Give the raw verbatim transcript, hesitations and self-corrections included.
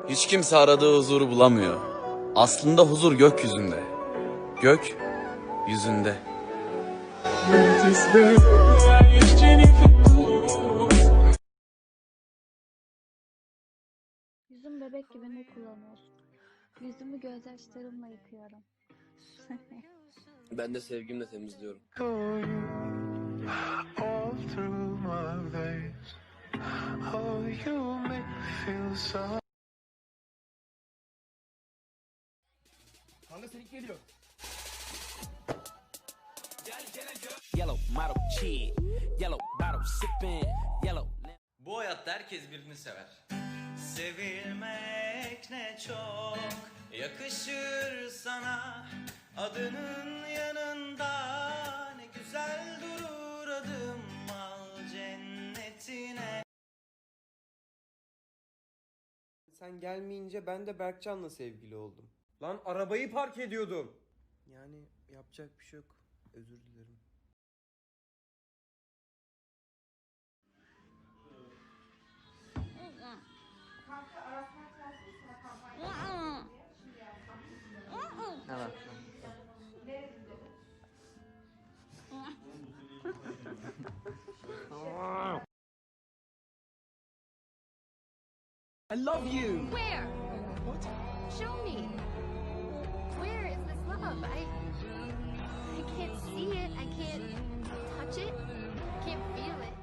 Hiç kimse aradığı huzuru bulamıyor. Aslında huzur gökyüzünde. Gök yüzünde. Yüzüm bebek gibi ne kullanıyorsun? Yüzümü gözyaşlarımla yıkıyorum. Ben de sevgimle temizliyorum. Kanka senin geliyor. Yellow model kid, yellow bottle sipping, yellow. Bu hayatta herkes birini sever. Sevilmek ne çok yakışır sana. Adının yanında ne güzel durur adım, al cennetine. Sen gelmeyince ben de Berkcan'la sevgili oldum. Lan arabayı park ediyordum. Yani yapacak bir şey yok. Özür dilerim. I love you. Where? What? Show me. Where is this love? I I can't see it. I can't touch it. I can't feel it.